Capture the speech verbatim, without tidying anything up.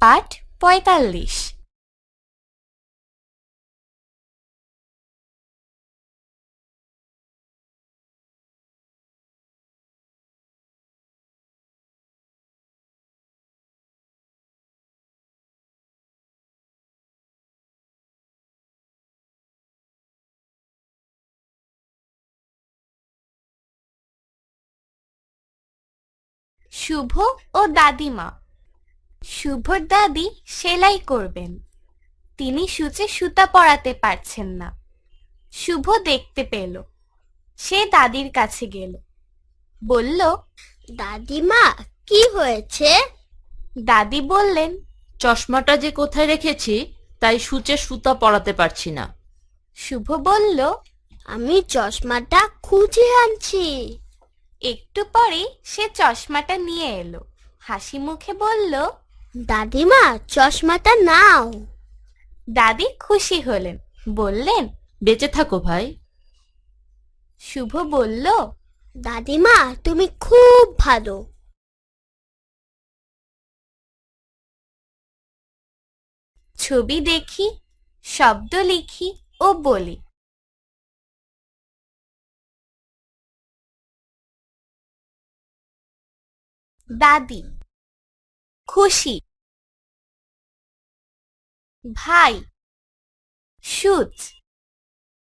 পাঠ পঁয়তাল্লিশ। শুভ ও দাদিমা। শুভর দাদি সেলাই করবেন। তিনি সূচে সুতা পরাতে পারছেন না। শুভ দেখতে পেল। সে দাদির কাছে গেল, বলল, দাদিমা, কি হয়েছে? দাদি বললেন, চশমাটা যে কোথায় রেখেছি তাই সূচে সুতা পরাতে পারছি না। শুভ বলল, আমি চশমাটা খুঁজে আনছি। একটু পরেই সে চশমাটা নিয়ে এলো। হাসি মুখে বলল, দাদিমা, চশমাটা নাও। দাদি খুশি হলেন, বললেন, বেঁচে থাকো ভাই। শুভ বলল, দাদিমা, তুমি খুব ভালো। ছবি দেখি, শব্দ লিখি ও বলি। দাদি, খুশি। ভাই, সূচ।